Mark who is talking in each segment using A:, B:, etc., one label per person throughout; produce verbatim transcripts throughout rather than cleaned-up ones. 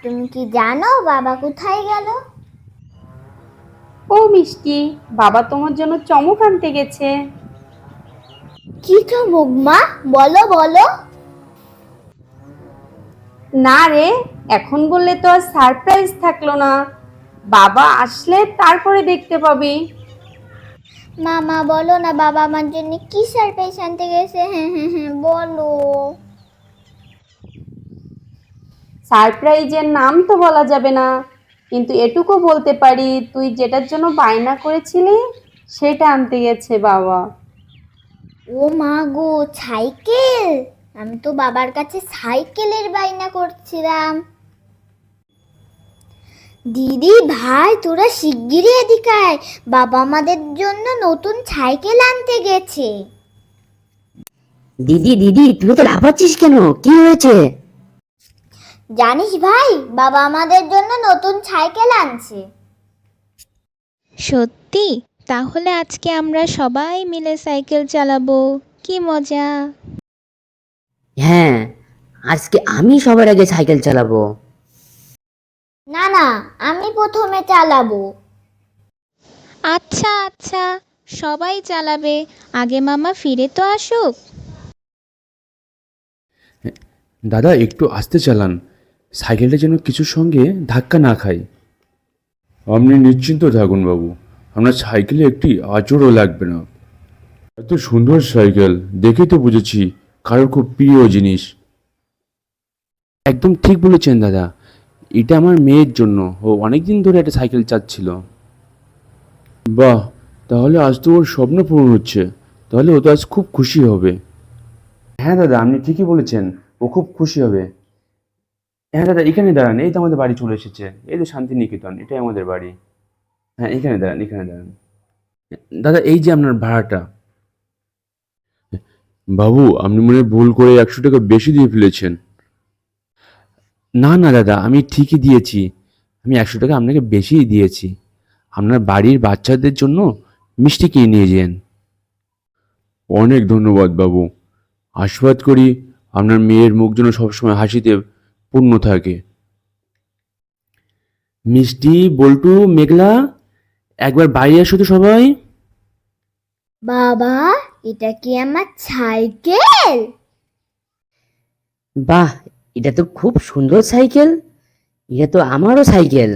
A: তুমি কি জানো বাবা কোথায় গেল?
B: ও মিষ্টি, বাবা তোমার জন্য চমক আনতে গেছে।
A: কি চমক মা? বলো বলো।
B: না রে, এখন বললে তো আর সারপ্রাইজ থাকলো না। বাবা আসলে তারপরে দেখতে পাবি।
A: মামা বলো না, বাবা আমার জন্য কি সারপ্রাইজ আনতে গেছে? হ্যাঁ হ্যাঁ হ্যাঁ বলো।
B: সারপ্রাইজের নাম তো বলা যাবে না, কিন্তু এটুকু বলতে পারি তুই যেটার জন্য বায়না করেছিলি সেটা আনতে গেছে বাবা।
A: ও মা গো, সাইকেল! আমি তো বাবার কাছে সাইকেলের বায়না করছিলাম। দিদি ভাই তোরা শিগগিরই এদিকে আয়, বাবা আমাদের জন্য নতুন সাইকেল আনতে গেছে।
C: দিদি দিদি তুই তো লাফাচ্ছিস কেন? কি হয়েছে?
A: জানিস ভাই, বাবা আমাদের জন্য নতুন সাইকেল আনছে।
D: সত্যি? তাহলে আজকে আমরা সবাই মিলে সাইকেল চালাবো, কি মজা!
C: হ্যাঁ, আজকে আমি সবার আগে সাইকেল চালাবো।
A: না না, আমি প্রথমে চালাবো।
D: আচ্ছা আচ্ছা, সবাই চালাবে, আগে মামা ফিরে তো আসুক।
E: দাদা একটু আস্তে চালান, সাইকেলটা যেন কিছুর সঙ্গে ধাক্কা না খায়। আপনি নিশ্চিন্ত থাকুন বাবু, আপনার সাইকেলে একটি আঁচড়ও লাগবে না। এত সুন্দর সাইকেল দেখে তো বুঝেছি কারোর খুব প্রিয় জিনিস। একদম ঠিক বলেছেন দাদা, এটা আমার মেয়ের জন্য, ও অনেকদিন ধরে একটা সাইকেল চাচ্ছিল। বাহ, তাহলে আজ তো ওর স্বপ্ন পূরণ হচ্ছে, তাহলে ও তো আজ খুব খুশি হবে। হ্যাঁ দাদা, আপনি ঠিকই বলেছেন, ও খুব খুশি হবে। হ্যাঁ দাদা, এখানে দাঁড়ান, এই তো আমাদের বাড়ি চলে এসেছে, এই তো শান্তিনিকেতন, এটাই আমাদের বাড়ি। হ্যাঁ এখানে দাঁড়ান, এখানে দাঁড়ান। দাদা এই যে আপনার ভাড়াটা। বাবু আপনি মনে হয় ভুল করে একশো টাকা বেশি দিয়ে ফেলেছেন। না না দাদা, আমি ঠিকই দিয়েছি, আমি একশো টাকা আপনাকে বেশিই দিয়েছি। আপনার বাড়ির বাচ্চাদের জন্য মিষ্টি কিনে নিয়ে যান। অনেক ধন্যবাদ বাবু, আশীর্বাদ করি আপনার মেয়ের মুখ যেন সবসময় হাসিতে পূর্ণ থাকে। মিষ্টি, বল্টু, মেঘলা, একবার বাইরে এসো তো সবাই।
A: বাবা, এটা কি আমার সাইকেল?
C: বাহ, এটা তো খুব সুন্দর সাইকেল, এটা তো আমারও সাইকেল।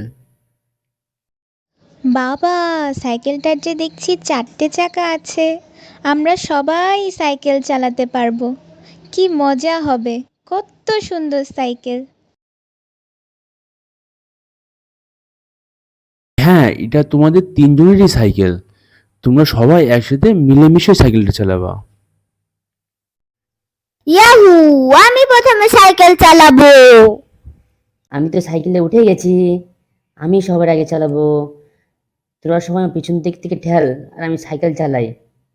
D: বাবা, সাইকেলটার যে দেখছি চারটে চাকা আছে, আমরা সবাই সাইকেল চালাতে পারবো, কি মজা হবে! কত সুন্দর সাইকেল!
E: হ্যাঁ, এটা তোমাদের তিনজনেরই সাইকেল, তোমরা সবাই একসাথে মিলেমিশে সাইকেলটা চালাবা।
A: ইয়াহু, আমি প্রথমে সাইকেল চালাবো।
C: আমি তো সাইকেলে উঠে গেছি, আমি সবার আগে চালাবো। তোরা সবাই পিছন দিক থেকে ঠেল, আর আমি সাইকেল চালাই।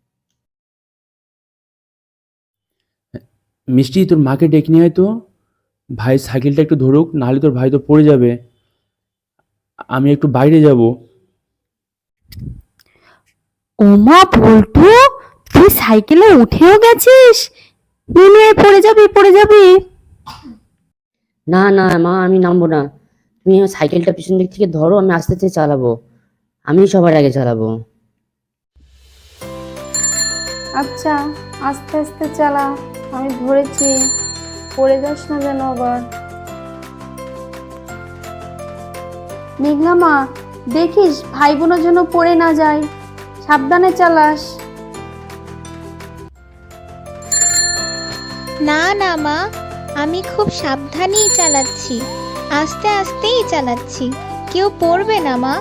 E: মিষ্টি, তোর মাকে ডেকে নিয়ে আয় তো, ভাই সাইকেলটা একটু ধরুক, নাহলে তোর ভাই তো পড়ে যাবে। আমি একটু বাইরে যাব।
B: ওমা বল্টু, তুই সাইকেলে উঠেও গেছিস? নিয়ে পড়ে যাবি, পড়ে যাবি।
C: না না মা, আমি নামবো না। তুমি আমার সাইকেলটা পিছন দিক থেকে ধরো, আমি আস্তে আস্তে চালাবো, আমি সবার আগে চালাবো।
B: আচ্ছা, আস্তে আস্তে চালা, আমি ধরেছি, পড়ে যাস না যেন আবার। মেঘলা মা, দেখিস ভাই বোনের জন্য পড়ে না যায়, সাবধানে চালাস।
D: না না মা, আমি খুব সাবধানেই চালাচ্ছি, আস্তে আস্তেই চালাচ্ছি, কেউ পড়বে না মা।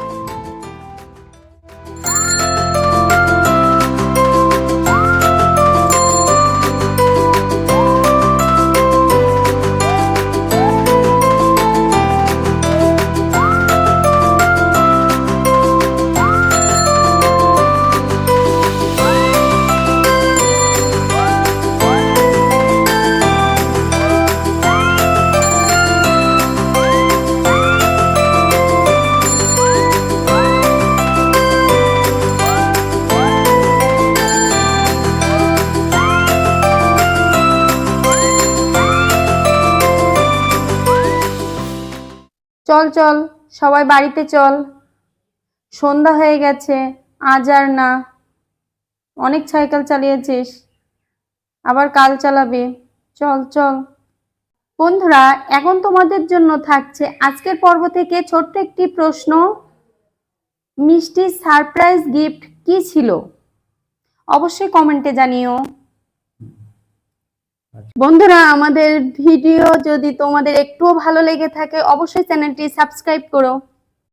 B: চল চল সবাই বাড়িতে চল, সন্ধ্যা হয়ে গেছে, আজ আর না, অনেক সাইকেল চালিয়েছিস, আবার কাল চালাবে, চল চল। বন্ধুরা, এখন তোমাদের জন্য থাকছে আজকের পর্ব থেকে ছোট্ট একটি প্রশ্ন, মিষ্টির সারপ্রাইজ গিফট কি ছিল? অবশ্যই কমেন্টে জানিও। বন্ধুরা, আমাদের ভিডিও যদি তোমাদের একটুও ভালো লেগে থাকে অবশ্যই চ্যানেলটি সাবস্ক্রাইব করো।